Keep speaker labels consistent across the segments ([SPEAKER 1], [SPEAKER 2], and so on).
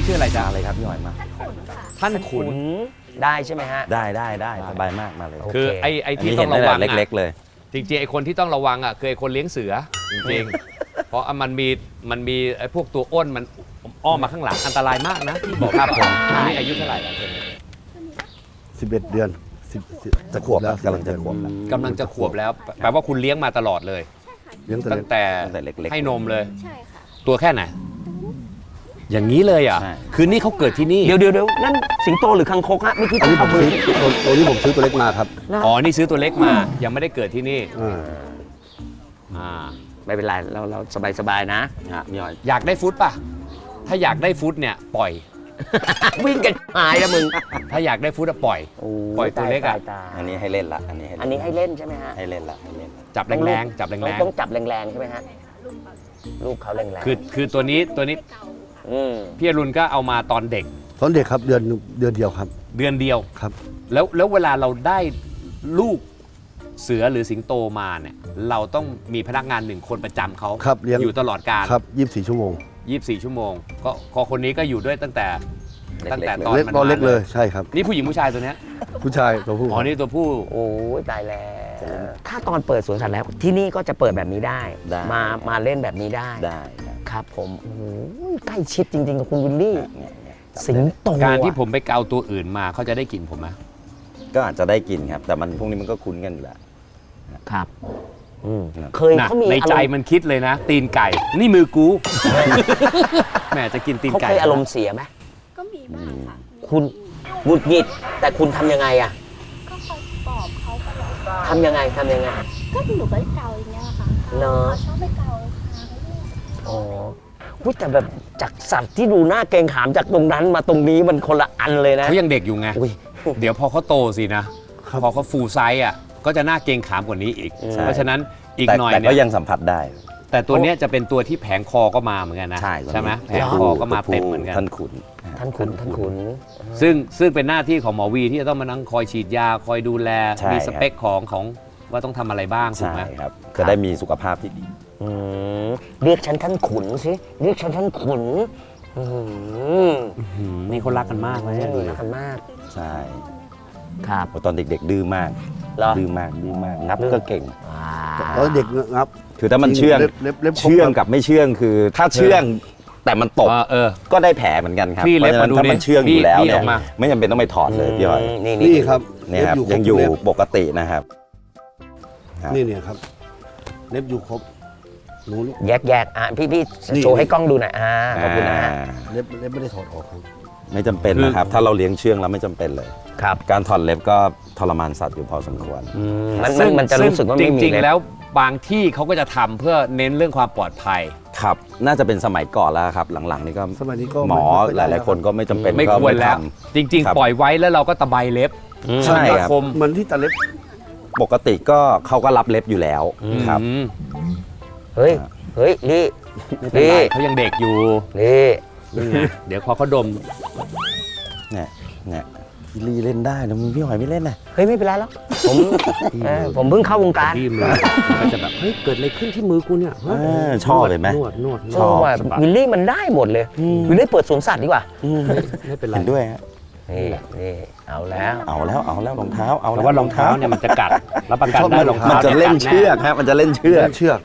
[SPEAKER 1] ชื่ออะไรจ๊ะ
[SPEAKER 2] อะไรครับพี่หอยมา
[SPEAKER 1] ท่านขุน
[SPEAKER 3] ได้ใช่ไหมฮะ
[SPEAKER 2] ได้สบายมากมาเลย
[SPEAKER 1] คือไอ้
[SPEAKER 2] อัน
[SPEAKER 1] ที่
[SPEAKER 2] นี้
[SPEAKER 1] ต้
[SPEAKER 2] เห็
[SPEAKER 1] อน งระ
[SPEAKER 2] ได้
[SPEAKER 1] วัง
[SPEAKER 2] เล็กๆเลย
[SPEAKER 1] จริงๆไอ้คนที่ต้องระวังคือไอ้คนเลี้ยงเสือจริงๆเพราะมันมีไอ้พวกตัวอ้นมันอ้อมมาข้างหลังอันตรายมากนะที่บอกครับผมนี่อายุเท่าไหร่แล้วเธอ
[SPEAKER 4] 11 เดือน10
[SPEAKER 2] จะขวบแล้วกำลังจะขวบแล้ว
[SPEAKER 1] กำลังจะขวบแล้วแปลว่าคุณเลี้ยงมาตลอดเลย
[SPEAKER 4] เลี้ยงแต่
[SPEAKER 1] ตั้
[SPEAKER 4] เล็
[SPEAKER 1] ง
[SPEAKER 4] ก
[SPEAKER 1] แต่
[SPEAKER 2] เล็กๆ
[SPEAKER 1] ให้นมเลย
[SPEAKER 5] ใช่ค่ะ
[SPEAKER 1] ตัวแค่ไหนอย่างนี้เลยอ่ะ
[SPEAKER 2] ใช่
[SPEAKER 1] คือนี่เขาเกิดที่นี่
[SPEAKER 3] เดี๋ยวนั่นสิงโตหรือคังคกฮะเมื่อกี้
[SPEAKER 4] อันนี้ผ
[SPEAKER 3] เอา
[SPEAKER 4] ม
[SPEAKER 3] มือ
[SPEAKER 4] ซื้อตัวนี้ผมซื้อตัวเล็กมาครับ
[SPEAKER 1] อ๋อนี่ซื้อตัวเล็กมายังไม่ได้เกิดที่นี่
[SPEAKER 4] อ่า
[SPEAKER 1] อ่า
[SPEAKER 3] ไม่เป็นไรเราสบายๆนะ
[SPEAKER 2] พี่หอย
[SPEAKER 1] อยากได้ฟุตป่ะถ้าอยากได้ฟุตเนี่ยปล่อย
[SPEAKER 3] วิ่งกันหายแล้วมึง
[SPEAKER 1] ถ้าอยากได้ฟุตอะปล่อย ปล่อยตัวเล็กอะ
[SPEAKER 3] ตาย
[SPEAKER 2] อันนี้ให้เล่นละอันนี้
[SPEAKER 3] อันนี้ให้เล่นใช่ไหมฮะ
[SPEAKER 2] ให้เล่นละให้เล่นละ
[SPEAKER 1] จับแรงๆจับแรง
[SPEAKER 3] ต้องจับแรงๆใช่ไหมฮะลูกเขาแรง
[SPEAKER 1] ๆคือตัวนี้
[SPEAKER 3] ๆอืม
[SPEAKER 1] พี่อรุณก็เอามาตอนเด็ก
[SPEAKER 4] ตอนเด็กครับเดือนเดียวครับ
[SPEAKER 1] เดือนเดียว
[SPEAKER 4] ครับ
[SPEAKER 1] แล้วเวลาเราได้ลูกเสือหรือสิงโตมาเนี่ยเราต้องมีพนักงานหนึ่งคนประจำเขา
[SPEAKER 4] ครับเลี้ยง
[SPEAKER 1] อยู่ตลอดการ
[SPEAKER 4] ครับ24 ชั่วโมง
[SPEAKER 1] 24 ชั่วโมงก็คนนี้ก็อยู่ด้วยตั้งแต่ตอน
[SPEAKER 4] เล็ก
[SPEAKER 1] มัน
[SPEAKER 4] ตอนเล็ก
[SPEAKER 1] มา
[SPEAKER 4] เลยใช่ครับ
[SPEAKER 1] นี่ผู้หญิงผู้ชายตัวเนี้ย
[SPEAKER 4] ผู้ชายตัวผู้
[SPEAKER 1] อ๋อนี่ตัวผู้
[SPEAKER 3] โอ้ยตายแล้วถ้าตอนเปิดสวนสัตว์แล้วที่นี่ก็จะเปิดแบบนี้ได้ มาเล่นแบบนี้ได้
[SPEAKER 2] ได้ครับ
[SPEAKER 3] ครับผมโอ้โหใกล้ชิดจริงๆกับคุณวิลลี่
[SPEAKER 2] เนี่ย
[SPEAKER 3] สิงโต
[SPEAKER 1] การที่ผมไปเกาตัวอื่นมาเขาจะได้กลิ่นผมไหม
[SPEAKER 2] ก็อาจจะได้กินครับ แต่มันพวกนี้มันก็คุ้นกันอยู่แล้ว
[SPEAKER 3] ครับอืม
[SPEAKER 2] ครับ
[SPEAKER 3] เคย
[SPEAKER 1] น่ะ
[SPEAKER 3] เขามี
[SPEAKER 1] ในใจ
[SPEAKER 3] อารมณ์
[SPEAKER 1] มันคิดเลยนะ ตีนไก่ นี่มือกู แหมจะกินตีน
[SPEAKER 3] เขา
[SPEAKER 1] ไก่
[SPEAKER 3] เคยอารมณ์เสียไหม
[SPEAKER 5] ก็มีบ้างค่ะ
[SPEAKER 3] คุณหงุดหงิดแต่คุณทำยังไงอะ
[SPEAKER 5] ก็คอยปลอบเขาตลอด
[SPEAKER 3] ทำยังไง
[SPEAKER 5] ก็หนูก็เกาอย่างเงี้ยค่ะ
[SPEAKER 3] เนอะ
[SPEAKER 5] ชอบไปเกาค่ะ
[SPEAKER 3] อ๋ออุ๊ยแต่แบบจากสัตว์ที่ดูหน้าเกรงขามจากตรงนั้นมาตรงนี้มันคนละอันเลยนะ
[SPEAKER 1] เขายังเด็กอยู่ไง
[SPEAKER 3] อุ้ย
[SPEAKER 1] เดี๋ยวพอเขาโตสินะ
[SPEAKER 4] ครับ
[SPEAKER 1] พอเขาฟูลไซส์อ่ะ ก็จะน่าเกรงขามกว่านี้อีก
[SPEAKER 3] ใช่
[SPEAKER 1] เพราะฉะนั้นอีก
[SPEAKER 2] แต่
[SPEAKER 1] หน่อย
[SPEAKER 2] แต่
[SPEAKER 1] เนี่
[SPEAKER 2] ก็
[SPEAKER 1] ย
[SPEAKER 2] ยังสัมผัสได้
[SPEAKER 1] แต่ตัวเนี้ยจะเป็นตัวที่แผงคอก็มาเหมือนกันนะ
[SPEAKER 2] ใช่
[SPEAKER 1] ไหมแผง
[SPEAKER 2] ตัว
[SPEAKER 1] คอ
[SPEAKER 2] ผู้
[SPEAKER 1] ก็มา
[SPEAKER 2] ตัวผู้
[SPEAKER 1] เต็มเหมือนกัน
[SPEAKER 2] ท่านขุน
[SPEAKER 3] ท่านขุน
[SPEAKER 1] ซึ่งเป็นหน้าที่ของหมอวีที่จะต้องมานั่งคอยฉีดยาคอยดูแล
[SPEAKER 2] ใช่
[SPEAKER 1] มีสเปคของว่าต้องทำอะไรบ้างถูก
[SPEAKER 2] ใช่
[SPEAKER 1] ไหม
[SPEAKER 2] ครับจะได้มีสุขภาพที่ดี
[SPEAKER 3] อืมเรียกฉันท่านขุนสิเรียกฉันท่านขุนอืม
[SPEAKER 1] นี่เขารักกันมากเลยดูดิ
[SPEAKER 3] รักกันมาก
[SPEAKER 2] ใช่
[SPEAKER 3] ครับ
[SPEAKER 2] เพราะตอนเด็กๆดื้อมาก
[SPEAKER 3] เหรอ
[SPEAKER 2] ดื้อมากนับก็เก่ง
[SPEAKER 4] ตอนเด็กงับ
[SPEAKER 2] คือถ้ามันเชื่อง
[SPEAKER 4] เล็บครบ
[SPEAKER 2] เชื่องกับไม่เชื่องคือ ถ้าเชื่องแต่มันตก ก็ได้แผลเหมือนกันครับ
[SPEAKER 1] พี่เล็บ
[SPEAKER 2] พราะฉะนั้น
[SPEAKER 1] มาดู
[SPEAKER 2] ถ้ามัน
[SPEAKER 1] ดิ
[SPEAKER 2] เชื่องอยู่แล้ว
[SPEAKER 1] พี่
[SPEAKER 2] เนี่
[SPEAKER 1] อย อกมา
[SPEAKER 2] ไม่จำเป็นต้องไปถอดเลยพี่หอย
[SPEAKER 4] นี่ครับ
[SPEAKER 2] เนี่ยครับ
[SPEAKER 4] เล็
[SPEAKER 2] ยังอยู่
[SPEAKER 4] เล็บ
[SPEAKER 2] ปกตินะครับ ครับ
[SPEAKER 4] นี่เนี่ยครับเล็บอยู่ครบหนูลูก
[SPEAKER 3] แยกอ่ะพี่
[SPEAKER 4] นี่
[SPEAKER 3] โชว์ให้กล้องดูหน่อยขอบคุณนะฮะ
[SPEAKER 4] เล็บไม่ได้ถอดออกครับ
[SPEAKER 2] ไม่จำเป็นนะครับ ถ้าเราเลี้ยงเชื่องแล้วไม่จำเป็นเลย
[SPEAKER 3] ครับ
[SPEAKER 2] การถอดเล็บก็ทรมานสัตว์อยู่พอสมควร
[SPEAKER 3] มันจะรู้สึกว่าไม่มี
[SPEAKER 1] จริง
[SPEAKER 3] เล็
[SPEAKER 1] ๆ
[SPEAKER 3] บ
[SPEAKER 1] แล้วบางที่เขาก็จะทำเพื่อเน้นเรื่องความปลอดภัย
[SPEAKER 2] ครับ น่าจะเป็นสมัยก่อนแล้วครับ หลังๆนี่ก็
[SPEAKER 4] สมัยนี้ก็
[SPEAKER 2] หมอ
[SPEAKER 4] ไม่ค่อย
[SPEAKER 2] หลายๆคนก็ไม่จำเป็น
[SPEAKER 1] ไม่
[SPEAKER 2] ก็
[SPEAKER 1] ควรแล้ว
[SPEAKER 2] ท
[SPEAKER 1] จริง
[SPEAKER 2] ครับ
[SPEAKER 1] ๆ ปล่อยไว้แล้วเราก็ตะไบเล็บ
[SPEAKER 2] ใช่ครับ
[SPEAKER 1] คม
[SPEAKER 4] เหมือนที่ตาเล็บ
[SPEAKER 2] ำปกติก็เขาก็รับเล็บอยู่แล้วครับ
[SPEAKER 1] อืม
[SPEAKER 3] เฮ้ยลี่
[SPEAKER 1] ไม่เป็นไรเขายังเด็กอยู่
[SPEAKER 3] ลี่
[SPEAKER 1] เดี๋ยวพอเขาดม
[SPEAKER 2] เนี่ยพี่ลีเล่นได้นะมึงพี่หอยไม่เล่นนะ
[SPEAKER 3] เฮ้ยไม่เป็นไรแล้วผมเพิ่งเข้าวงการ
[SPEAKER 1] ที่มือมันจะแบบเฮ้ยเกิดอะไรขึ้นที่มือกูเนี่ย
[SPEAKER 2] ชอบเลยไหม
[SPEAKER 1] นวด
[SPEAKER 2] ชอบ
[SPEAKER 3] ว่าวิลลี่มันได้หมดเลยวิลลี่เปิดสวนสัตว์ดีกว่า
[SPEAKER 1] ไม่เป็นไร
[SPEAKER 2] เห็นด้วยฮะ
[SPEAKER 3] นี่เอาแล้ว
[SPEAKER 2] เอาแล้วรองเท้าเอา
[SPEAKER 1] แต่
[SPEAKER 2] แล้ว
[SPEAKER 1] ว่ารองเท้าเนี่ยมันจะกัดรับประกันได้รองเท้า
[SPEAKER 2] มันจะเล่นเชือกครับมันจะเล่นเชือก
[SPEAKER 4] เชือก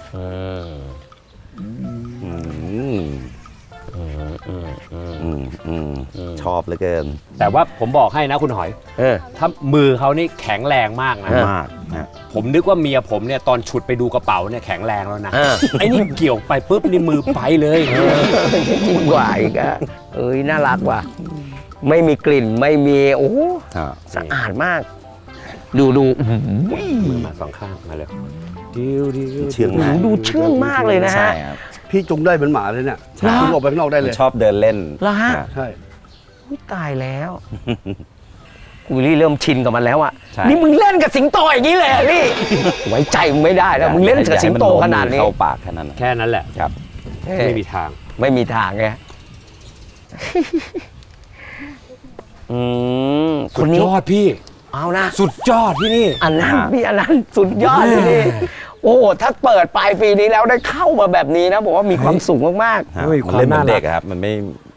[SPEAKER 2] ชอบเหลือเกิน
[SPEAKER 1] แต่ว่าผมบอกให้นะคุณหอย ถ้ามือเขานี่แข็งแรงมากนะ
[SPEAKER 2] มากนะ
[SPEAKER 1] ผมนึกว่าเมียผมเนี่ยตอนฉุดไปดูกระเป๋าเนี่ยแข็งแรงแล้วนะ
[SPEAKER 3] อ่า
[SPEAKER 1] ไอ้นี่เกี่ยวไปปุ๊บนี่มือไปเลย
[SPEAKER 3] ยิ่งกว่าอีกอะน่ารักว่ะไม่มีกลิ่นไม่มีโอ้สะอาดมาก ดู
[SPEAKER 1] มือมาสองข้างมาเลยดิว
[SPEAKER 2] เชื่องมาก
[SPEAKER 3] ดูเชื่องมากเลยนะฮะ
[SPEAKER 2] ใช่ครับ
[SPEAKER 4] พี่จุงได้เหมือนหมาเลยเนี่ย
[SPEAKER 3] ใช่
[SPEAKER 4] จุงออกไปข้างนอกได้เลย
[SPEAKER 2] ชอบเดินเล่น
[SPEAKER 3] เหรอฮะ
[SPEAKER 4] ใช่
[SPEAKER 3] อุ๊ยตายแล้ววิลลี่เริ่มชินกับมันแล้วอ่ะ
[SPEAKER 2] ใช่
[SPEAKER 3] นี่มึงเล่นกับสิงโตอย่างนี้เลยเหรอนี่ ไว้ใจมึงไม่ได้แล้วมึงเล่นกับสิงโตขนาดนี้
[SPEAKER 2] เข้าปากแค่นั้น
[SPEAKER 1] แค่นั้นแหละ
[SPEAKER 2] ครับ
[SPEAKER 1] ไม่มีทาง
[SPEAKER 3] ไม่มีทางไงค
[SPEAKER 1] สุ
[SPEAKER 3] น
[SPEAKER 1] ด
[SPEAKER 3] นี้
[SPEAKER 1] ยอดพี่
[SPEAKER 3] เอานะ
[SPEAKER 1] สุดยอดที่นี่
[SPEAKER 3] อันนั้นพี่อันนั้นสุดยอดเลยนี่โอ้โหถ้าเปิดปลายปีนี้แล้วได้เข้ามาแบบนี้นะบอกว่ามีความสุขมาก
[SPEAKER 1] เฮ้ย
[SPEAKER 2] มันเล่นเหมือน
[SPEAKER 1] ความน่ารัก
[SPEAKER 2] เด็กอะครับมัน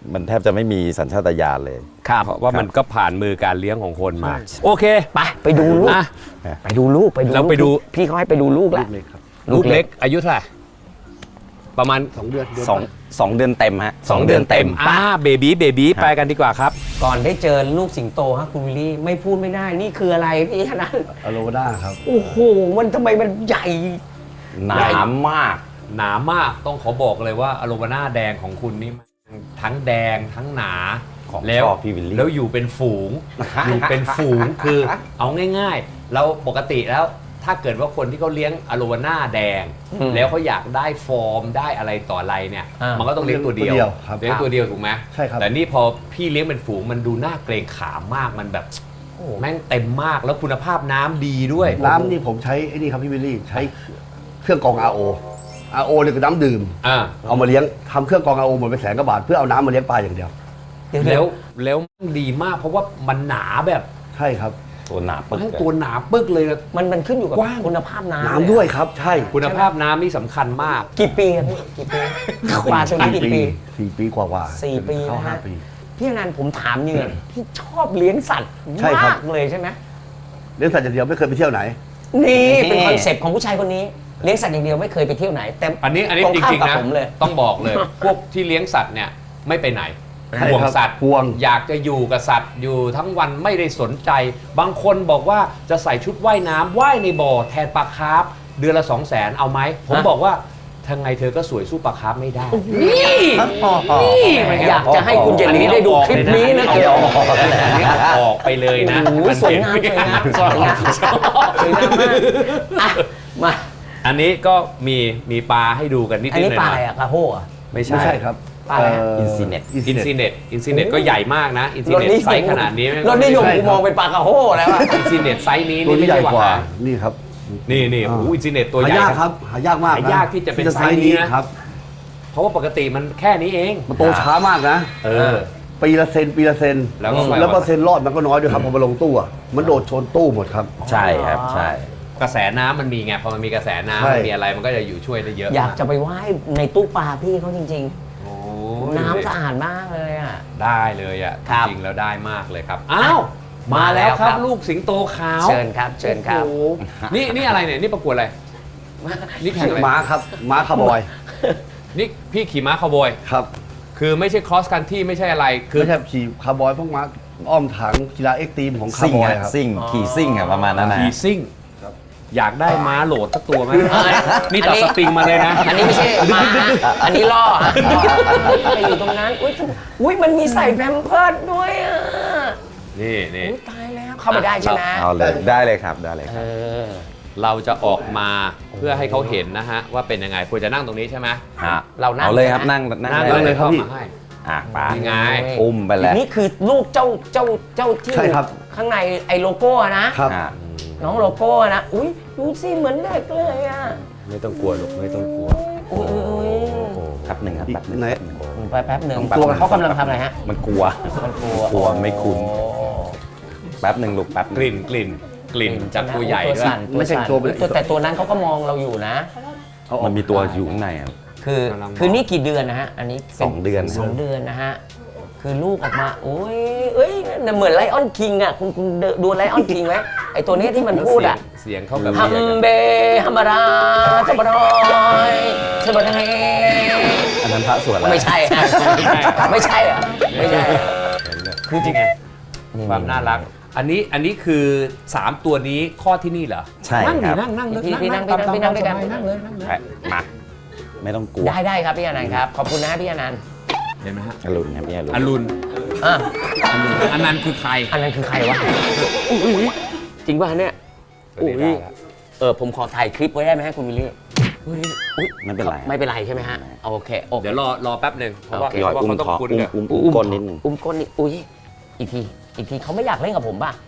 [SPEAKER 2] มันแทบจะไม่มีสัญชาตญาณเลย
[SPEAKER 3] ครับ
[SPEAKER 1] เพราะว่ามันก็ผ่านมือการเลี้ยงของคนมา โอเค
[SPEAKER 3] ไปดูลูก
[SPEAKER 1] อ่ะ
[SPEAKER 3] ไปดูลูก
[SPEAKER 1] เราไปดู
[SPEAKER 3] พี่เขาให้ไปดูลูกแล้ว
[SPEAKER 4] เล็กครับ
[SPEAKER 1] ลูกเล็กอายุเท่าไหร่ประมาณ
[SPEAKER 4] 2 เดือน
[SPEAKER 2] 2 เดือนเต็มฮะ
[SPEAKER 1] 2 เดือนเต็มเบบี้ไปกันดีกว่าครับ
[SPEAKER 3] ก่อนได้เจอลูกสิงโตฮะคุณวิลลี่ไม่พูดไม่ได้นี่คืออะไรพี่ธนัน
[SPEAKER 4] อโลวาน่าครับ
[SPEAKER 3] โอ้โหมันทำไมมันใหญ่
[SPEAKER 2] หนามาก
[SPEAKER 1] หนามากต้องขอบอกเลยว่าอโลวาน่าแดงของคุณนี่มันทั้งแดงทั้งหนา
[SPEAKER 2] ของ
[SPEAKER 1] แล้ว
[SPEAKER 2] ชอบพี่วิลลี่
[SPEAKER 1] แล้วอยู่เป็นฝูง อยู่เป็นฝูงคือเอาง่ายๆเราปกติแล้วถ้าเกิดว่าคนที่เขาเลี้ยงอโลวาน่าแดง แล้วเขาอยากได้ฟอร์มได้อะไรต่ออะไรเนี่ย มันก็ต้องเลี้ยงตัวเดียว
[SPEAKER 4] ตัวเดียวครับ
[SPEAKER 1] เลี้ยงตัวเดียวถูกไหม
[SPEAKER 4] ใช่ครับ
[SPEAKER 1] แต่นี่พอพี่เลี้ยงเป็นฝูงมันดูน่าเกรงขามมากมันแบบแม่งเต็มมากแล้วคุณภาพน้ำดีด้วย
[SPEAKER 4] น้ำนี่ผมใช้ไอ้นี่ครับพี่วิลลี่ใช้เครื่องกรอง RO เนี่ยคือน้ำดื่ม
[SPEAKER 1] อ่า
[SPEAKER 4] เอามาเลี้ยงทำเครื่องกรอง RO หมดไป100,000 กว่าบาทเพื่อเอาน้ำมาเลี้ยงปลาอย่างเดียว
[SPEAKER 1] แล้วดีมากเพราะว่ามันหนาแบบ
[SPEAKER 4] ใช่ครับ
[SPEAKER 2] ตัวหนาปึก
[SPEAKER 1] ทั้งตัวหนาปึ๊กเลย
[SPEAKER 3] มันขึ้นอยู่กับ
[SPEAKER 1] กว้าง
[SPEAKER 3] คุณภาพน้ำ
[SPEAKER 4] น้ำด้วยครับใช่
[SPEAKER 1] คุณภาพน้ำนี่สำคัญมาก
[SPEAKER 3] กี่ปีครับพี่กี่ปีปลาตัวนี้กี่ปี
[SPEAKER 4] 4 ปีกว่าๆ
[SPEAKER 3] สี่ปี
[SPEAKER 4] เข้า
[SPEAKER 3] นะฮะ
[SPEAKER 4] 5 ปี
[SPEAKER 3] พี่อนันต์ผมถามเนี่ยพี่ชอบเลี้ยงสัตว์
[SPEAKER 4] ใช่ครับ
[SPEAKER 3] มากเลยใช่ไหม
[SPEAKER 4] เลี้ยงสัตว์อย่างเดียวไม่เคยไปเที่ยวไหน
[SPEAKER 3] นี่เป็นคอนเซปต์ของผู้ชายคนนี้เลี้ยงสัตว์อย่างเดียวไม่เคยไปเที่ยวไหน แต่
[SPEAKER 1] อันนี้
[SPEAKER 3] ตรง
[SPEAKER 1] จ
[SPEAKER 3] ข้าม
[SPEAKER 1] ริง
[SPEAKER 3] กับ
[SPEAKER 1] ๆนะ
[SPEAKER 3] ผมเลย
[SPEAKER 1] ต้องบอกเลย พวกที่เลี้ยงสัตว์เนี่ยไม่ไปไหน
[SPEAKER 4] ใช่
[SPEAKER 1] ห่วง
[SPEAKER 4] ครับ
[SPEAKER 1] สัตว์
[SPEAKER 4] ห่วง
[SPEAKER 1] อยากจะอยู่กับสัตว์อยู่ทั้งวันไม่ได้สนใจ บางคนบอกว่าจะใส่ชุดว่ายน้ำว่ายในบ่อแทนปลาคาร์ฟเดือนละ 200,000เอาไหมผมบอกว่าทางไงเธอก็สวยสู้ปลาคาร์ฟไม่ได้ นี่เป็นไง
[SPEAKER 3] อยากจะให้คุณเจนนี่ได้ดูคลิปนี้นะ
[SPEAKER 1] อั
[SPEAKER 3] เกี่ยว
[SPEAKER 1] อันนี้เอาออกไปเลยนะ
[SPEAKER 3] โอ้โหสวยงามสวยงามสวยงามสวยงามมากอ่ะมา
[SPEAKER 1] อันนี้ก็มีปลาให้ดูกันนิดๆ
[SPEAKER 3] อันนี้
[SPEAKER 1] หน่
[SPEAKER 3] ปลา
[SPEAKER 1] อ
[SPEAKER 3] อะไร
[SPEAKER 1] ย
[SPEAKER 3] อะกระโห้อะ
[SPEAKER 1] ๆไม่
[SPEAKER 4] ไม่
[SPEAKER 1] ใช่
[SPEAKER 4] ใช่ครับ
[SPEAKER 3] ปลาอะไรฮะ
[SPEAKER 2] อินซีเน็ต
[SPEAKER 1] อินซีเน็ตก็ใหญ่มากนะอินซี
[SPEAKER 3] รถ
[SPEAKER 1] เน็ต
[SPEAKER 3] นิย
[SPEAKER 1] ไซ
[SPEAKER 3] ม
[SPEAKER 1] ส์ขนาดนี้
[SPEAKER 3] รถนิยม
[SPEAKER 4] ใช่
[SPEAKER 3] กู
[SPEAKER 4] ครับ
[SPEAKER 3] มองเป็นปลากระโห้แล้วอะ
[SPEAKER 1] อินซีเน็ตไซส์นี้
[SPEAKER 4] ตัว
[SPEAKER 1] นี่
[SPEAKER 4] นี้
[SPEAKER 1] ไม่
[SPEAKER 4] ใหญ่
[SPEAKER 1] ใช่
[SPEAKER 4] กว่า
[SPEAKER 1] หา
[SPEAKER 4] นี่ครับ
[SPEAKER 1] นี่โอ้โหอินซีเน็ตตัว
[SPEAKER 4] หา
[SPEAKER 1] ใหญ่
[SPEAKER 4] ยากครับหายากมากนะ
[SPEAKER 1] หายากที่จะเป็นไซส์นี้นะ
[SPEAKER 4] ครับ
[SPEAKER 1] เพราะว่าปกติมันแค่นี้เอง
[SPEAKER 4] มันโตช้ามากนะ
[SPEAKER 1] เออ
[SPEAKER 4] ปีละเซนปีละเซน
[SPEAKER 1] แล้วก็
[SPEAKER 4] แล้วเปอร์เซ็นต์รอดมันก็น้อยด้วยครับพอมาลงตู้อะมันโดดชนตู้หมดครับ
[SPEAKER 2] ใช่ครับใช่
[SPEAKER 1] กระแสน้ำมันมีไงพอมันมีกระแสน้ำ
[SPEAKER 4] ใช่
[SPEAKER 1] มันมีอะไรมันก็จะอยู่ช่วยได้เยอะ
[SPEAKER 3] อยากจะไปว่ายในตู้ปลาพี่เขาจริง
[SPEAKER 1] โอ้
[SPEAKER 3] ๆ น้ำสะอาดมากเลยอ่ะ
[SPEAKER 1] ได้เลยอ่ะ
[SPEAKER 3] ครับ
[SPEAKER 1] จริงๆแล้วได้มากเลยครับอ้าวมาแล้วครับ
[SPEAKER 3] มาแล้วครับ
[SPEAKER 1] ลูกสิงโตขาว
[SPEAKER 3] เชิญครับเชิญครับ
[SPEAKER 1] โอ้โหนี่อะไรเนี่ยนี่ประกวดอะไรนี่แข่งอะไร
[SPEAKER 4] ม้าครับม้าคาร์บอย
[SPEAKER 1] นี่พี่ขี่ม้าคาวบอย
[SPEAKER 4] ครับ
[SPEAKER 1] คือไม่ใช่ cross country ไม่ใช่อะไรคือ
[SPEAKER 4] ไม่ใช่ขี่คาร์บอยพวกม้าอ้อมถังกีฬาเอ็กซ์ตรีมของคา
[SPEAKER 2] ซิ่
[SPEAKER 4] ร์
[SPEAKER 2] ง
[SPEAKER 4] บอย
[SPEAKER 2] อะ
[SPEAKER 4] ครับ
[SPEAKER 2] ซิ่งขี่ซิ่งอะประมาณนั้นนะ
[SPEAKER 1] ขี่ซิ่ง
[SPEAKER 4] ครับ
[SPEAKER 1] อยากได้ม้าโหลดสักตัวไหม
[SPEAKER 3] เอ้ย
[SPEAKER 1] นี่ตัดสปริงมาเลยนะ
[SPEAKER 3] อันนี้ไม่ใช่ม้าอันนี้ล่อฮะไปอยู่ตรงนั้นอุ้ยมันมีใส่แพมเพิร์ดด้วยอ่ะ
[SPEAKER 1] นี่นี่
[SPEAKER 3] อุ๊ยตายแล้วเข้าไปได้ใช่ไหม
[SPEAKER 2] เอาเลยได้เลยครับได้เลยค
[SPEAKER 3] เอ
[SPEAKER 2] รับ
[SPEAKER 3] อ
[SPEAKER 1] เราจะออกมาเพื่อให้เขาเห็นนะฮะว่าเป็นยังไงควรจะนั่งตรงนี้ใช่ไหม
[SPEAKER 2] ฮะ
[SPEAKER 3] เรานั่ง
[SPEAKER 2] เอาเลยครับ
[SPEAKER 3] นะ
[SPEAKER 2] นั่ง
[SPEAKER 1] นั่ง
[SPEAKER 2] ได้
[SPEAKER 1] เล
[SPEAKER 2] เลย ย
[SPEAKER 1] เข้ามาให้
[SPEAKER 2] ปลา
[SPEAKER 1] นี่ไง
[SPEAKER 2] อุ้มไปแล้ว
[SPEAKER 3] นี่คือลูกเจ้าที่
[SPEAKER 4] ใช่ครับ
[SPEAKER 3] ข้างในไอ้โลโก้อะนะ
[SPEAKER 4] ครับ
[SPEAKER 2] อ่ะ
[SPEAKER 3] น้องโลโก้อะนะอุ้ยดูสิเหมือนเด็กเลยอ่ะ
[SPEAKER 1] ไม่ต้องกลัวลูกไม่ต้องกลัว
[SPEAKER 3] อุ้ย
[SPEAKER 2] แป๊บหนึ่งครับแป๊บหนึ่ง
[SPEAKER 4] ไหน
[SPEAKER 3] ไปแป๊บหนึ่ง
[SPEAKER 4] ตัว
[SPEAKER 3] เขากำลังทำอะไรฮะ
[SPEAKER 2] มันกลัว
[SPEAKER 3] มันกลัว
[SPEAKER 2] กลัวไม่คุ้น แป๊บหนึ่งลูกแป๊บห
[SPEAKER 1] ก
[SPEAKER 2] นึ่ง
[SPEAKER 1] ลิ่นจากตัวใหญ่
[SPEAKER 3] ตัว
[SPEAKER 1] ด้วย
[SPEAKER 3] สั่น
[SPEAKER 4] ไม่ใช่ตัวเป็น
[SPEAKER 3] แต่ตัวนั้นเขาก็มองเราอยู่นะ
[SPEAKER 4] เอาออก
[SPEAKER 2] มันมีตัวอยู่ข้างในอ่ะ
[SPEAKER 3] คือนี่กี่เดือนนะฮะ อันนี้ป็
[SPEAKER 2] 2 เดือน
[SPEAKER 3] สองเดือนนะฮะ คือลูกออกมาโอ้ยเอ้ยเหมือนไลออนคิงอ่ะคุณดูไลออนคิงไหมไอตัวนี้ที่มันพูดอ่ะ
[SPEAKER 1] เสียงเขาแบบ
[SPEAKER 3] ฮัมเบฮัมบาราสบารอยสบารอย
[SPEAKER 2] อันนั้นพระสวดแล้ว
[SPEAKER 3] ไม่ใช่ฮะไม่ใช่อ่ะไม่ใช่อะ
[SPEAKER 1] คือจริงไงความน่ารัก อันนี้คือ 3 ตัวนี้ข้อที่นี่เหรอ
[SPEAKER 2] ใช่
[SPEAKER 1] นั่ง
[SPEAKER 2] ค
[SPEAKER 1] ดิ
[SPEAKER 2] รับ
[SPEAKER 1] นั่งเลย
[SPEAKER 3] พี่นั่งด้วยกัน
[SPEAKER 1] นั่งเลยนั่งเลย
[SPEAKER 2] มาไม่ต้องกลัว
[SPEAKER 3] ได้ครับพี่อนันต์ครับ ขอบคุณนะฮะพี่อนันต์
[SPEAKER 1] เห็นไหมฮะ
[SPEAKER 2] อรุณครับพี่อรุณ
[SPEAKER 1] อรุณ
[SPEAKER 3] อ่ะ
[SPEAKER 1] อันนั้นคือใคร
[SPEAKER 3] อันนั้นคือใครวะอุ๊ยจริงป่ะเนี่ย
[SPEAKER 1] ตัวนี้ได้แล้ว
[SPEAKER 3] ผมขอถ่ายคลิปไว้ได้ไหมฮะคุณวิลลี่
[SPEAKER 2] ไม่เป็นไร
[SPEAKER 3] ไม่เป็นไรใช่ไหมฮะโอเคโอเค
[SPEAKER 1] เดี๋ยวรอแป๊บหนึ่งเพราะว่า
[SPEAKER 3] โอเค
[SPEAKER 2] พี่ออย
[SPEAKER 1] เพราะ
[SPEAKER 2] อุ้ม
[SPEAKER 1] ว่าเขาต้อ
[SPEAKER 2] คอง
[SPEAKER 1] คุ้น
[SPEAKER 2] อุ้ม
[SPEAKER 1] กับ
[SPEAKER 2] อุ้มก้นนิดนึง
[SPEAKER 3] อุ้มก้นนี่อุ้ยอีกทีเขาไม่อยากเล่นกับผมป่ะ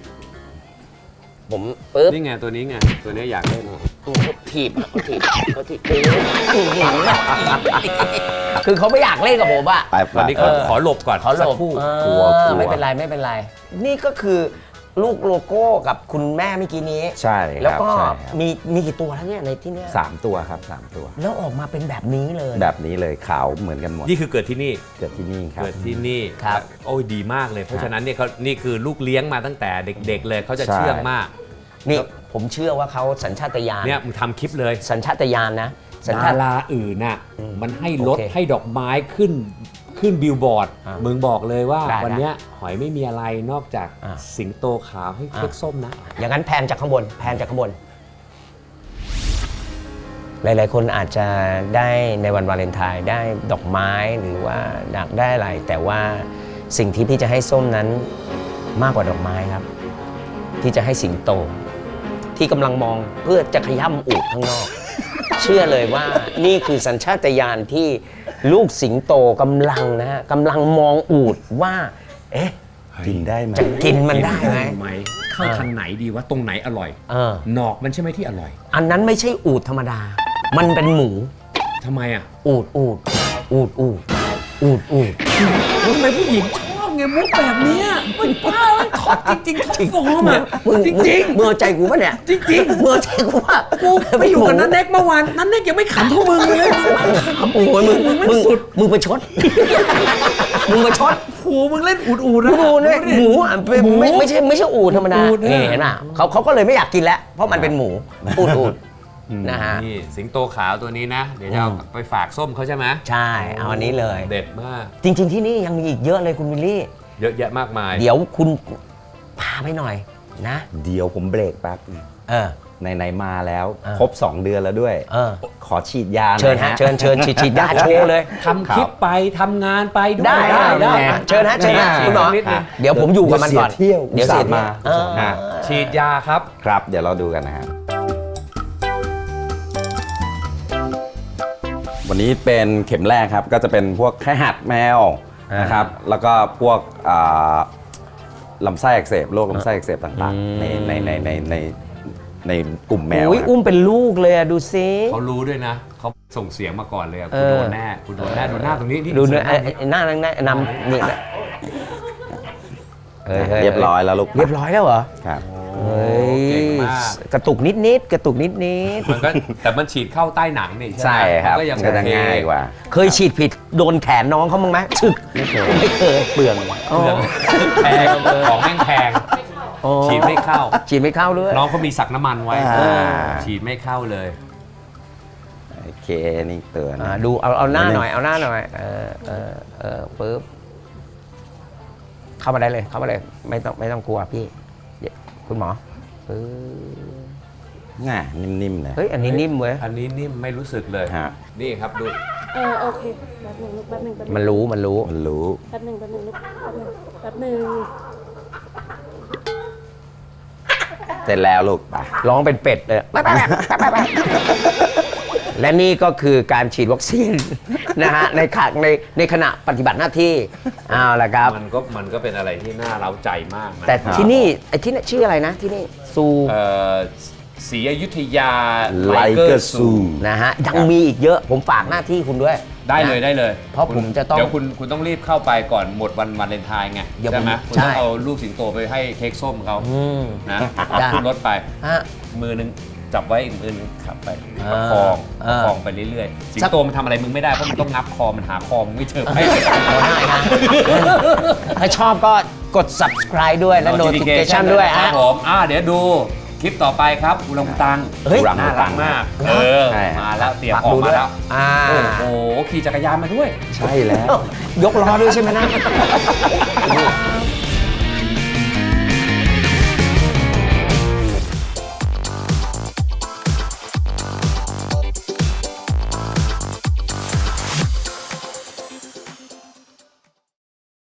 [SPEAKER 3] ผมปึ๊บ
[SPEAKER 1] นี่ไงตัวนี้ไงตัวนี้อยากเล่น
[SPEAKER 3] เขาถีบเขาถีบคือเขาไม่อยากเล่นกับผมอ่ะ
[SPEAKER 2] ไป
[SPEAKER 1] ตอนนี้
[SPEAKER 2] ไป
[SPEAKER 1] ขอหลบก่อน
[SPEAKER 3] เขาหล
[SPEAKER 1] สัก
[SPEAKER 3] บ
[SPEAKER 1] ครู่
[SPEAKER 3] เออ
[SPEAKER 2] กลัว
[SPEAKER 3] ไม่เป็นไรไม่เป็นไร นี่ก็คือลูกโลโก้กับคุณแม่เมื่อกี้นี้
[SPEAKER 2] ใช่ครับ
[SPEAKER 3] แล้วก็
[SPEAKER 2] ใช่ครับ
[SPEAKER 3] มีกี่ตัวแล้วเนี่ยในที่เนี้ย
[SPEAKER 2] 3 ตัวครับ 3 ตัว
[SPEAKER 3] แล้วออกมาเป็นแบบนี้เลย
[SPEAKER 2] แบบนี้เลยขาวเหมือนกันหมด
[SPEAKER 1] นี่คือเกิดที่นี่
[SPEAKER 2] เกิดที่นี่ครับ
[SPEAKER 1] เกิดที่นี่
[SPEAKER 3] ครับ
[SPEAKER 1] โอ้ยดีมากเลย เพราะฉะนั้นเนี่ยเขานี่คือลูกเลี้ยงมาตั้งแต่เด็ก ๆ เลยเขาจะเชื่องมาก
[SPEAKER 3] นี่ผมเชื่อว่าเขาสัญชาตญาณ
[SPEAKER 1] เนี่ยมึงทำคลิปเลย
[SPEAKER 3] สัญชาตญาณนะสัญ
[SPEAKER 1] ดา
[SPEAKER 3] ชาต
[SPEAKER 1] ราอื่นน่ะมันให้รถ
[SPEAKER 3] โอเค
[SPEAKER 1] ให้ดอกไม้ขึ้นบิลบอร์ด
[SPEAKER 3] อ่ะ
[SPEAKER 1] มึงบอกเลยว่า
[SPEAKER 3] ได้
[SPEAKER 1] วันเนี้ยหอยไม่มีอะไรนอกจาก
[SPEAKER 3] อ่ะ
[SPEAKER 1] สิงโตขาวให้เค้กส้มนะ
[SPEAKER 3] อย่างนั้นแพนจากข้างบนแพนจากข้างบน หลายๆ คนอาจจะได้ในวันวาเลนไทน์ได้ดอกไม้หรือว่าอยากได้อะไร แต่ว่าสิ่งที่พี่จะให้ส้มนั้นมากกว่าดอกไม้ครับ ที่จะให้สิงโต ที่กำลังมองเพื่อจะขย้ำอูดข้างนอก เชื่อเลยว่านี่คือสัญชาตญาณที่ลูกสิงโตกำลังนะฮะกำลังมองอูดว่า เอ๊ะ
[SPEAKER 2] กินได้ไหม
[SPEAKER 3] จะกินมันได้ไหม
[SPEAKER 1] เข้าทางไหนดีว่าตรงไหนอร่อย
[SPEAKER 3] เออ
[SPEAKER 1] หนอกมันใช่ไหมที่อร่อย
[SPEAKER 3] อันนั้นไม่ใช่อูดธรรมดา มันเป็นหมู
[SPEAKER 1] ทำไมอ่ะ
[SPEAKER 3] อูดอูดอูดอูดอูดอูด
[SPEAKER 1] ทำไมผู้หญิงชอบไงมุกแบบเนี้ยมันบ้ามันท็อปจริงๆท็อปฟอร์มอ่ะ
[SPEAKER 3] มึง
[SPEAKER 1] จริง
[SPEAKER 3] มึงเอาใจกูปะเนี่ย
[SPEAKER 1] จริง
[SPEAKER 3] มึงเอาใจกูปะ
[SPEAKER 1] ๆกูไปอยู่กับนันเน็กเมื่อวานนันเน็กยังไม่ขำเท่ามึงเลยขำ
[SPEAKER 3] โอ้ยมึงประชด มึงประชด
[SPEAKER 1] โอ้โหมึงเล่นอูดๆนะ
[SPEAKER 3] หมูเนี่ยหมูอ่ะเป็นไม่ใช่อูดธรรมดา
[SPEAKER 1] อูฐเนี่ย
[SPEAKER 3] เห็นป่ะเขาก็เลยไม่อยากกินแล้ว เพราะมันเป็นหมูอูดอูดนะฮะ
[SPEAKER 1] นี่สิงโตขาวตัวนี้นะ เดี๋ยวจะเอาไปฝากส้มเขาใช่ไหม
[SPEAKER 3] ใช่ เอาอันนี้เลย
[SPEAKER 1] เด็ดมาก
[SPEAKER 3] จริง ๆ ที่นี่ยังมีอีกเยอะเลยคุณวิลลี่
[SPEAKER 1] เยอะแยะมากมาย
[SPEAKER 3] เดี๋ยวคุณพาไปหน่อยนะ
[SPEAKER 2] เดี๋ยวผมเบรกแป๊บ
[SPEAKER 3] เออ
[SPEAKER 2] ไหนๆมาแล้ว
[SPEAKER 3] เออ
[SPEAKER 2] ครบ 2 เดือนแล้วด้วย
[SPEAKER 3] เออ
[SPEAKER 2] ขอฉีดยาหน่อย
[SPEAKER 3] เชิญฮะเชิญฉีดยาโชว์เลย
[SPEAKER 1] ทำคลิปไปทำงานไปด้วย
[SPEAKER 3] ได้เชิญฮะคุณหมอ
[SPEAKER 1] นิดนึง
[SPEAKER 3] เดี๋ยวผมอยู่กับมันก่อน
[SPEAKER 2] เที่ยว
[SPEAKER 3] เดี๋ยวเสีย
[SPEAKER 2] มา
[SPEAKER 3] เออ
[SPEAKER 2] ฮะ
[SPEAKER 1] ฉีดยาครับ
[SPEAKER 2] ครับ เดี๋ยวเราดูกันนะฮะวันนี้เป็นเข็มแรกครับ ก็จะเป็นพวกไข้หัดแมวนะครับ แล้วก็พวกลำไส้อักเสบโรคลำไส้อักเสบต่างๆ ในกลุ่มแมว
[SPEAKER 3] อุ้ย
[SPEAKER 2] ครับ
[SPEAKER 3] อุ้มเป็นลูกเลยอะดูซิ
[SPEAKER 1] เขารู้ด้วยนะ เขาส่งเสียงมาก่อนเลยอะ
[SPEAKER 3] เอ
[SPEAKER 1] คุณ
[SPEAKER 3] อ
[SPEAKER 1] โดนแน่คุณโดนแน่ดูหน้าตรงนี้ที่
[SPEAKER 3] ดูเนื้อ
[SPEAKER 1] สวยมาก
[SPEAKER 3] หน้านั่งนำนี่นะฮ้
[SPEAKER 2] เรียบร้อยแล้วลูก
[SPEAKER 3] เรียบร้อยแล้วเหรอ
[SPEAKER 2] ครับ
[SPEAKER 3] เฮ้ย
[SPEAKER 1] เก่งมาก
[SPEAKER 3] กระตุกนิดๆกระตุกนิด
[SPEAKER 1] มันก็แต่มันฉีดเข้าใต้หนังนี่
[SPEAKER 2] ใช่ครับ
[SPEAKER 1] มันก็ยัง
[SPEAKER 2] มันก็จะ
[SPEAKER 1] โอเค
[SPEAKER 2] ง่ายกว่า
[SPEAKER 3] ๆ เคยฉีดผิดโดนแขนน้องเขามั้งไหมฉึกไม่เคยเปลือง
[SPEAKER 1] เปลืองแพงของแม่งแพง
[SPEAKER 3] อ๋อ
[SPEAKER 1] ฉีดไม่เข้า
[SPEAKER 3] ฉีดไม่เข้าด้วย
[SPEAKER 1] น้องเขามีสักน้ำมันไว้
[SPEAKER 2] อ่า
[SPEAKER 1] ฉีดไม่เข้าเลย
[SPEAKER 2] โอเคนี่เตือน
[SPEAKER 3] ดูเอาหน้าหน่อยเอาหน้าหน่อยปึ๊บเข้ามาได้เลยเข้ามาเลยไม่ต้องกลัวพี่เดี๋ยวคุณหมอปึ๊บ
[SPEAKER 2] ง่ายนิ่มๆเลย
[SPEAKER 3] เฮ้ยอันนี้นิ่มเว้ย
[SPEAKER 1] อันนี้นี่ไม่รู้สึกเลย
[SPEAKER 2] ฮะ
[SPEAKER 1] นี่ครับดู
[SPEAKER 5] โอเคแป๊บหนึ่งลูกแป๊บหนึ่ง
[SPEAKER 3] มันรู้
[SPEAKER 2] มันรู้
[SPEAKER 5] แป๊บหนึ่งลูกแป๊บหนึ่ง
[SPEAKER 2] เสร็จแล้วลูกไป
[SPEAKER 3] ร้องเป็นเป็ดเลย และนี่ก็คือการฉีดวัคซีน นะฮะในขณะปฏิบัติหน้าที่เอาละครับ
[SPEAKER 1] มันก็เป็นอะไรที่น่าเร้าใจมากนะ
[SPEAKER 3] แต่ที่นี่ไอ้ที่นี่ชื่ออะไรนะที่นี่ซู
[SPEAKER 1] ศรีอยุธยา
[SPEAKER 2] ไลเกอร์ซู
[SPEAKER 3] นะฮะยังมีอีกเยอะผมฝากหน้าที่คุณด้วย
[SPEAKER 1] ได้เลย
[SPEAKER 3] นะ
[SPEAKER 1] ได้เลย
[SPEAKER 3] เพราะผมจะต้อง
[SPEAKER 1] เดี๋ยวคุณต้องรีบเข้าไปก่อนหมดวันวาเลนไทน์ไง
[SPEAKER 3] เดี๋ยว
[SPEAKER 1] ใช่ไหม
[SPEAKER 3] ผม
[SPEAKER 1] คุณ
[SPEAKER 3] ใช่
[SPEAKER 1] ต้องเอาลูกสิงโตไปให้เค้กส้มเขา นะ
[SPEAKER 3] ได้
[SPEAKER 1] ขึ้นรถไป
[SPEAKER 3] ฮะ
[SPEAKER 1] มือนึงจับไว้อีกมือนึงขับไป
[SPEAKER 3] อ่า
[SPEAKER 1] ประคอง
[SPEAKER 3] อ่า
[SPEAKER 1] ประคองไปเรื่อยๆ สิงโตมันทำอะไรมึงไม่ได้เพราะมันต้องงับคอมันหาคอมึงไม่เจอไป
[SPEAKER 3] เอาได้นะถ้าชอบก็กด subscribe ด้วยและ notification ด้วย
[SPEAKER 1] ครั
[SPEAKER 3] ฮะ
[SPEAKER 1] บผมเดี๋ยวดูคลิปต่อไปครับอุลังอุตัง
[SPEAKER 3] เฮ้ย
[SPEAKER 1] น่ารักมาก
[SPEAKER 2] ใช่
[SPEAKER 1] มาแล้วเตรียม
[SPEAKER 3] ฝาก
[SPEAKER 1] ออ
[SPEAKER 3] ดู
[SPEAKER 1] ก
[SPEAKER 3] ด้
[SPEAKER 1] มา
[SPEAKER 3] วย
[SPEAKER 1] แล้ว โอ้โหขี่จักรยานมาด้วย
[SPEAKER 2] ใช่แล้ว
[SPEAKER 3] ยกล้อด้วยใช่ไหมนะ